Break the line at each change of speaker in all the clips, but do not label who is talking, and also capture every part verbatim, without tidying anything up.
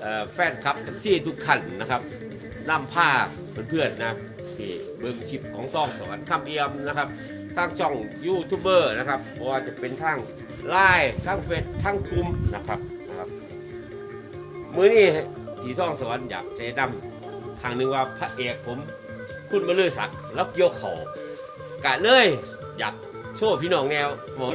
แฟนคลับเอฟซีทุกท่านนะครับนำผ้าเพื่อนๆนะที่เบิ้งชิปของต้องสวรรค์คำเอี่ยมนะครับทางช่องยูทูบเบอร์นะครับเพราะว่าจะเป็นทางไลน์ทางเฟซทางกลุ่มนะครับนะครับมื้อนี้ที่ต้องสวรรค์อยากจะนำทางหนึ่งว่าพระเอกผมคุณมาเลือศักดิ์รับโยกเขากะเลยอยากโชว์พี่น้องแนวหมด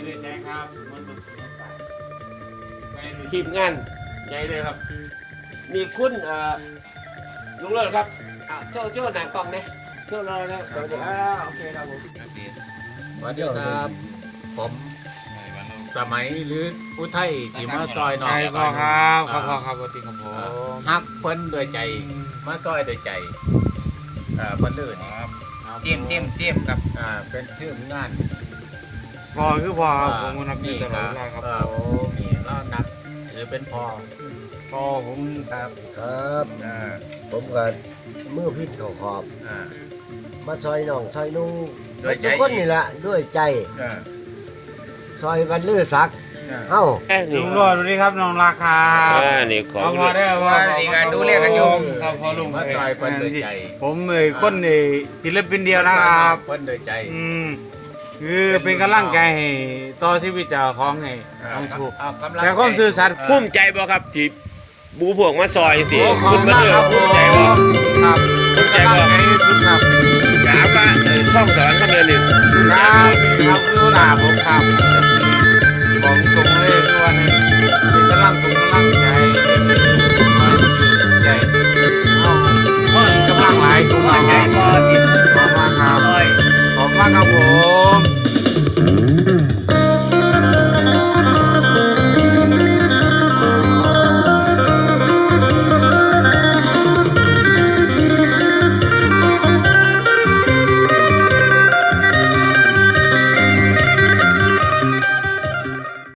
ทีมงานใหญ่เลยครับมีคุณลุงเลิศครับโชว์โชว์หนังกล่องเนี่ยโชว์เลยนะสวัสดีครับโอเคครับผม
สวัสดีครับผมสมัยหรืออุทัยที่มาจอยน้อง
พ่อครับครับพ่อครับสวัสดีครับผม
ฮักเพิ่นด้วยใจมาจอยด้วยใจเอ่อเพิ่นลื่น
เจียมเจียมเจียมครับ
อ่าเป็นทีมงาน
พ่อคือพ่อครับผมนับถือตลอดเวลาครับ
ผมนี่เรานับถือเป็นพ่อ
พ่อผม
ครับครับผมก็มือพิษเขาขอบมาซอยน้องซอยนุ่งทุกคนนี่แหละด้วยใจซอยวันลือสักเอ้า
ลุงรอดสวัสดีครับน้องราคา
นี่ขอ
พอได้
ว่าดีการดูแลกันอยู่
ครับพอลุง
มาซอยเพิ่นด้วยใจ
ผมเลยคนนี่ศิลปินเดียวนะครับ
เพิ่นด้วยใจ
อืมคือเป็นกำลังใจให้ต่อชีวิตเจ้าของให้ต้องถูกแต่ความซื่อสัตย์
ภูมิใจบ่ครับที่บูพวกมาซอยสิคุณมาเลือกภูมิใจบ่